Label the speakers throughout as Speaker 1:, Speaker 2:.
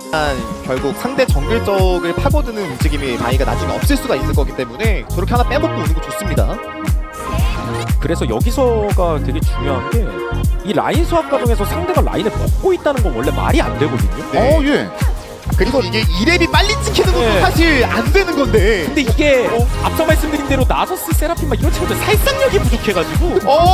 Speaker 1: 결국 상대 정글 쪽을 파고드는 움직임이 바이가 나중에 없을 수가 있을 거기 때문에 저렇게 하나 빼먹고 오는 거 좋습니다.
Speaker 2: 그래서 여기서가 되게 중요한 게 이 라인 수학 과정에서 상대가 라인을 먹고 있다는 건 원래 말이 안 되거든요.
Speaker 1: 네.
Speaker 3: 예.
Speaker 1: 그리고 이게 2렙이 빨리 찍히는 것도
Speaker 2: 네.
Speaker 1: 사실 안 되는 건데.
Speaker 2: 근데 이게 앞서 말씀드린 대로 나서스 세라핀 막 이런 친구들 살상력이 부족해가지고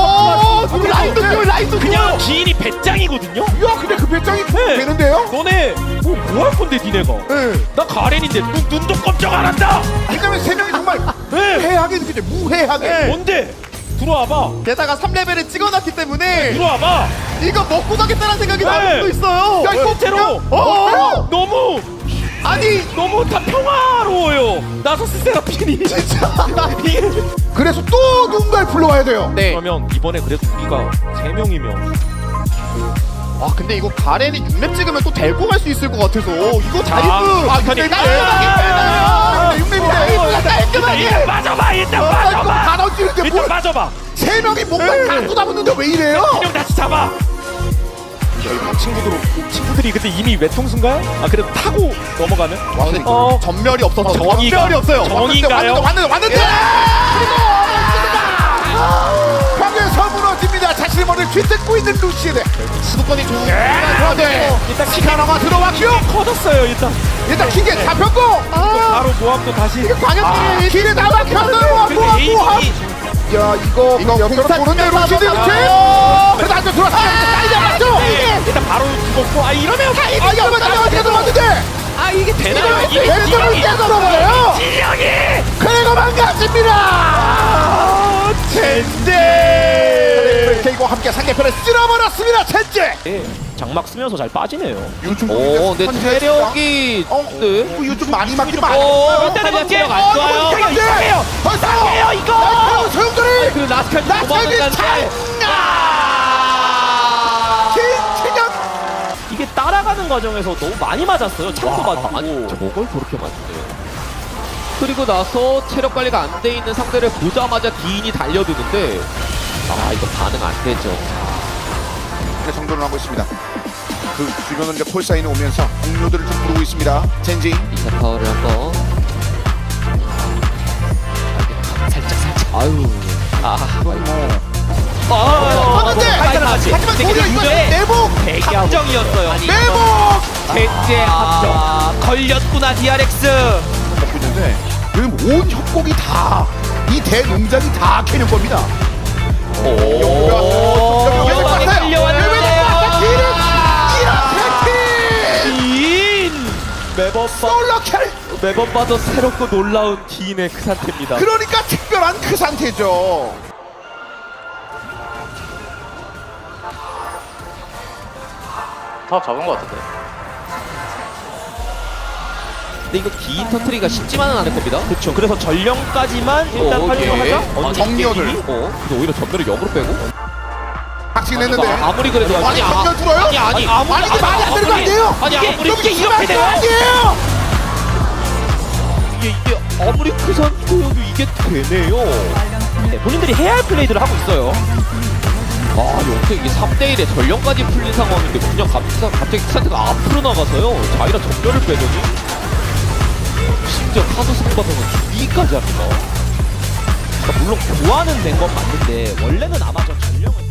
Speaker 1: 라인도
Speaker 2: 그냥 기인이 배짱이거든요.
Speaker 3: 야, 근데 그 배짱이
Speaker 2: 네.
Speaker 3: 되는데요?
Speaker 2: 너네 뭐 할 건데 니네가?
Speaker 1: 네.
Speaker 2: 나 가렌인데 눈도 깜짝 안 한다.
Speaker 3: 왜냐면 세 명이 정말
Speaker 2: 네.
Speaker 3: 해하게 느껴져. 무해하게.
Speaker 1: 네.
Speaker 2: 뭔데? 들어와봐.
Speaker 1: 게다가 3레벨을 찍어놨기 때문에
Speaker 2: 들어와봐.
Speaker 1: 이거 먹고 가겠다는 생각이
Speaker 2: 네.
Speaker 1: 나올 수도 있어요.
Speaker 3: 야, 이거
Speaker 2: 실제로 너무 너무 다 평화로워요. 나서스 세라핀이
Speaker 3: 진짜.
Speaker 2: 이게
Speaker 3: 그래서 또 누군가를 불러와야 돼요.
Speaker 1: 네.
Speaker 2: 그러면 이번에 그래도 우리가 3명이면
Speaker 1: 와 근데 이거 가렌이 6렙 찍으면 또 데리고 갈 수 있을 것 같아서 이거 다이브
Speaker 2: 근데
Speaker 1: 깔끔하게 6렙인데 깔끔하게
Speaker 2: 일단 빠져봐. 일단 빠져봐.
Speaker 3: 다 던지는데
Speaker 2: 일단
Speaker 3: 뭘?
Speaker 2: 빠져봐.
Speaker 3: 세 명이 뭔가 다 쏟아붓는데 왜 이래요?
Speaker 2: 형 다시 잡아. 친구들이 근데 이미 외통수인가요? 아 그래도 타고 넘어가는?
Speaker 1: 전멸이 없어서
Speaker 2: 정의가-
Speaker 1: 전멸이 없어요.
Speaker 2: 정의인가요?
Speaker 3: 왔는데. 벽에서 무너집니다. 자신의 머리를 쥐뜯고 있는 루시드.
Speaker 1: 수도권이 좋은
Speaker 3: 그런데
Speaker 2: 일단
Speaker 3: 시카나가 들어왔죠.
Speaker 2: 커졌어요 일단.
Speaker 3: 일단 기계 잡혔고.
Speaker 2: 바로 모함도 다시.
Speaker 1: 광역들이
Speaker 3: 길에 다 막혔어요.
Speaker 2: 근데
Speaker 3: 모함. 야 이거 옆으로
Speaker 1: 공사
Speaker 3: 보는데
Speaker 1: 치면서
Speaker 3: 루시드 이렇게.
Speaker 1: 넘어가요.
Speaker 3: 그래도 안쪽 들어왔습니다. 빨리 잡았죠.
Speaker 2: 일단 바로 죽었고 이러면
Speaker 3: 아 이거 나한테 들어왔는데.
Speaker 2: 이게 되나요?
Speaker 3: 왼손을 깨달아버려요.
Speaker 2: 지령이
Speaker 3: 그리고 망가집니다. 젠제. KG와 함께 상대편을 쓸어버렸습니다. 젠제.
Speaker 2: 장막 쓰면서 잘 빠지네요.
Speaker 3: 요즘
Speaker 4: 근데 체력이
Speaker 3: 요즘 많이 맞긴
Speaker 2: 일단은 체력 안 좋아요. 이상해요.
Speaker 3: 벌써요
Speaker 2: 이거.
Speaker 3: 소용돌이.
Speaker 4: 그 라스칼
Speaker 3: 나스칼이
Speaker 4: 도망가는데
Speaker 3: 김치경.
Speaker 2: 이게 따라가는 과정에서 너무 많이 맞았어요. 창도 맞고.
Speaker 4: 아니 저걸 그렇게 맞네요. 그리고 나서 체력 관리가 안 돼 있는 상대를 보자마자 기인이 달려드는데 이거 반응 안 되죠.
Speaker 3: 정돈을 하고 있습니다. 그 주변으로 이제 콜사인이 오면서 동료들을 좀 부르고 있습니다. 젠지.
Speaker 4: 리사 파워를 한번 살짝 아유
Speaker 3: 하지만 도리어 이거 내복.
Speaker 2: 함정이었어요.
Speaker 3: 내복.
Speaker 4: 젠제 합정 걸렸구나 DRX.
Speaker 3: 먹고 있는데 지금 온 협곡이 다 이 대농장이 다 캐년 겁니다.
Speaker 4: 위험하게 끌려왔는데요. 기인 매번 봐도 새롭고 놀라운 기인의 그 상태입니다.
Speaker 3: 그러니까 특별한 그 상태죠.
Speaker 5: 다 잡은 것 같은데.
Speaker 4: 근데 이거 기인 터트리기가 쉽지만은 않을 겁니다.
Speaker 2: 그렇죠. 그래서 전령까지만 일단 활용을 하자.
Speaker 3: 정리어들.
Speaker 4: 근데 오히려 전멸을 역으로 빼고
Speaker 3: 확신했는데.
Speaker 4: 아무리 그래도
Speaker 3: 아니 정면 들어요?
Speaker 4: 아니
Speaker 3: 아니 이게 말이 안 되는 거 아니에요?
Speaker 4: 아니 아무리
Speaker 2: 이게 이렇게 돼요?
Speaker 3: 아니에요.
Speaker 4: 이게 아무리 그 상태여도 이게 되네요.
Speaker 2: 네, 본인들이 해야 할 플레이들을 하고 있어요.
Speaker 4: 여태 이게 3대1에 전령까지 풀린 상황인데 그냥 갑자기 그 상태가 앞으로 나가서요. 자이라 전멸을 빼더니 심지어 카드 승바서는 주기까지 합니다.
Speaker 2: 그러니까 물론 교환은 된 건 맞는데 원래는 아마 저 전령은